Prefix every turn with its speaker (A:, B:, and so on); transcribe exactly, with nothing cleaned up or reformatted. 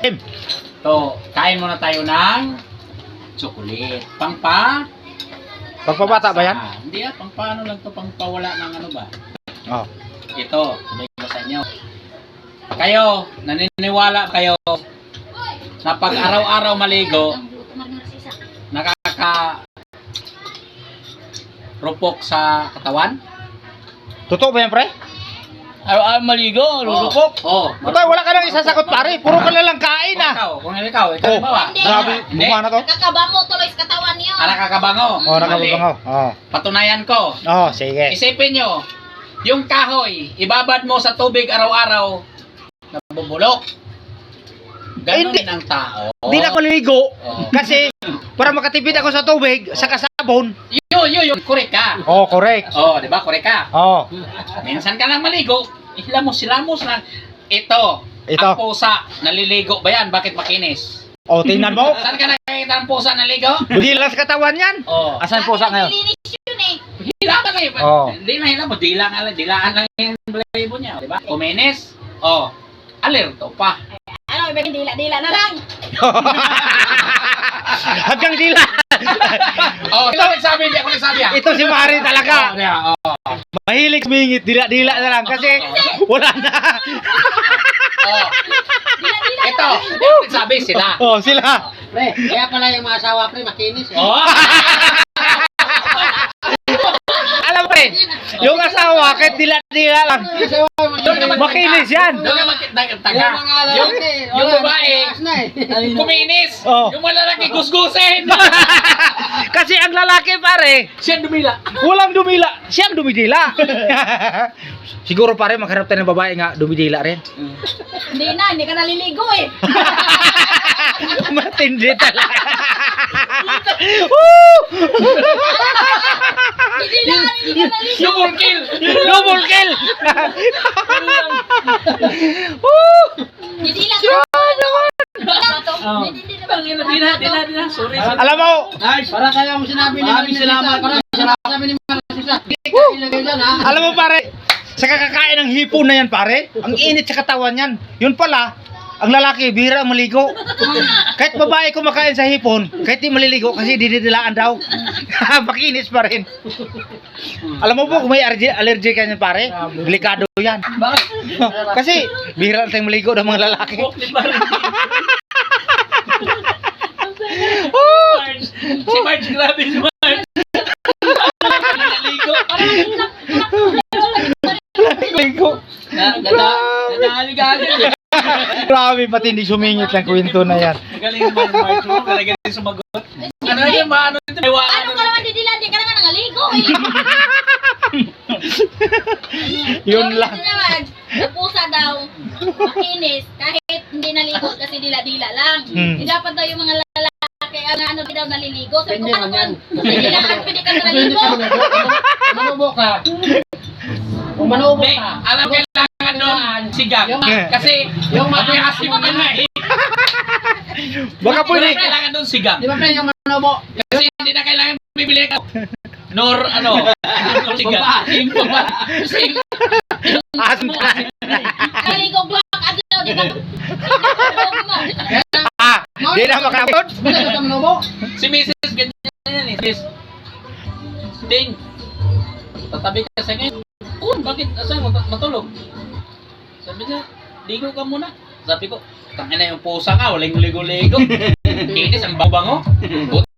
A: To, kain muna tayo ng chocolate. Pangpa?
B: Pagpabata ba yan?
A: Ah, hindi ah, pang paano lang to, pang pawala ng ano ba?
B: Oh.
A: Ito, sabihin ko sa inyo. Kayo, naniniwala kayo na pag araw-araw maligo, nakaka rupok sa katawan?
B: Totoo ba yan, pre?
C: Araw-araw maligo, lulupok.
A: Oo. Oh,
B: Patay, wala ka nang isasagot, pare. Puro ka na lang kain,
A: Kung
B: ah.
A: ikaw, kung ikaw, ikaw
B: Oh,
A: ba?
B: grabe,
A: Hindi.
B: mukha na to.
D: Kakabango tuloy sa katawan niyo.
A: Ah, nakakabango.
B: Oh,
A: Mali.
B: nakababangaw. Oh.
A: Patunayan ko.
B: Oh, sige.
A: Isipin nyo, yung kahoy, ibabad mo sa tubig araw-araw, nabubulok. Ganon
B: Hindi.
A: din ang tao.
B: Hindi na ako ligo.
A: Oo.
B: Kasi, para makatipid ako sa tubig, sa kasabon.
A: Yun, yun, yun, correct ka.
B: Oh, correct.
A: Oh, di ba, correct ka.
B: Oh.
A: Minsan ka lang maligo, hilamos-hilamos lang. Ito,
B: Ito.
A: ang pusa, naliligo ba yan? Bakit makinis?
B: Oh, tingnan mo.
A: Saan ka nakikita ng pusa naligo?
B: Budilas katawan yan.
A: Oh,
B: Asan po sa ngayon?
D: Nilinis yun eh.
A: hila ka eh.
B: Oh.
A: Hindi na hila mo, dila nga lang, dilaan lang yung blaybo niya, di ba? Kuminis, oh, alerto pa.
D: Ano, iba yung dila-dila na lang.
B: Hanggang dila.
A: Oh, ito nagsabi, hindi ako nagsabi ah.
B: Ito si Mari
A: Oh,
B: talaga.
A: yeah, oh.
B: Mahilig sumingit, dila-dila na lang. Kasi, wala na.
A: Oh.
D: Dila-dila
A: Ito, hindi ako nagsabi sila.
B: Oh, sila.
C: Pre, kaya pala yung mga asawa, pre, makinis eh.
A: Oh.
B: Alam pre, yung asawa, kahit dila-dila lang. Makinis yan.
A: Doon ka magtaga.
C: Yung mga
A: Yung,
C: lalaki,
A: yung
C: wala,
A: babae,
C: taas na eh.
A: kuminis.
B: Oh.
A: Yung malalaki, gusgusin.
B: Kasi ang lalaki pare,
A: Siya dumila.
B: walang dumila, siyang dumidila. Siguro pare, maghanap tayo ng babae nga dumidila rin.
D: Hindi na, hindi ka naliligo eh.
B: Matindi talaga. Woo!
D: Hindi na, hindi ka naliligo.
A: Double kill.
B: Double kill! Woo!
D: Hindi lang ka.
A: Oh.
D: Hindi, hindi
A: Bang, ina, di na, di na, di na. Sorry, sorry.
B: Alam mo,
C: Nice, para kaya mo sinabi ni
A: Maraming
C: Marisa,
A: salamat.
C: para sinabi ni Marisa, hindi ka ilagay dyan ha.
B: alam mo pare, sa kakakain ng hipon na yan pare, ang init sa katawan yan. Yun pala, ang lalaki, bihira ang maligo. Kahit babae kumakain sa hipon, kahit di maliligo kasi dinidilaan daw. Makinis pa rin. Alam mo po, kung may allergy, allergy ka niyan pare, delikado yan.
A: Bakit?
B: Kasi bihira lang tayong maligo ng mga lalaki.
A: Bukli pa rin.
B: Oh!
A: Marge. Si Marge, grabe si Marge. Naligo.
B: Maligo.
A: Na, nada, nadahaligagan.
B: Grabe, matindi sumingit ng kwento na yan.
A: Magaling si Marge, Marge. mo, Magaling din sumagot. Ano yung maano ito?
D: Paano
A: Iwaan.
D: ka naman didila? Hindi ka naman nangaligo eh.
B: Yun
D: Yung
B: lang.
D: ito naman, yung pusa daw, makinis, kahit hindi naligo kasi dila-dila lang.
B: Hmm.
D: Hindi dapat daw yung mga lalaki, ang ano daw naliligo. Sabi ko,
C: Pwede
D: paano
C: man yan.
D: kung hindi lang, pwede ka na naligo.
C: Manubo ka. Kung manubo
A: Hindi,
C: ka.
A: alam kailangan doon sigang.
C: Yung-
A: Kasi
C: yung
A: yung
C: mga-
A: asim ka na eh.
B: Baka pwede.
A: Wala kailangan doon sigang.
C: Di ba pre, yung manubo?
A: Kasi hindi na kailangan bibili ka. Nor ano, sigang. Yung papa. Kasi
B: Asim ka.
D: Naligo block, adlaw, di ka. mo.
B: Ah, di na makapot.
C: Basta ka manubo?
A: si Missus ganyan yan eh. Miss Ding, tatabi ka sa ngayon. Oh, bakit? Asan mo? Matulog. Sabi niya, ligo ka muna. Sabi ko, tangina yung pusa nga, walang ligo-ligo. Kinis, ang bango.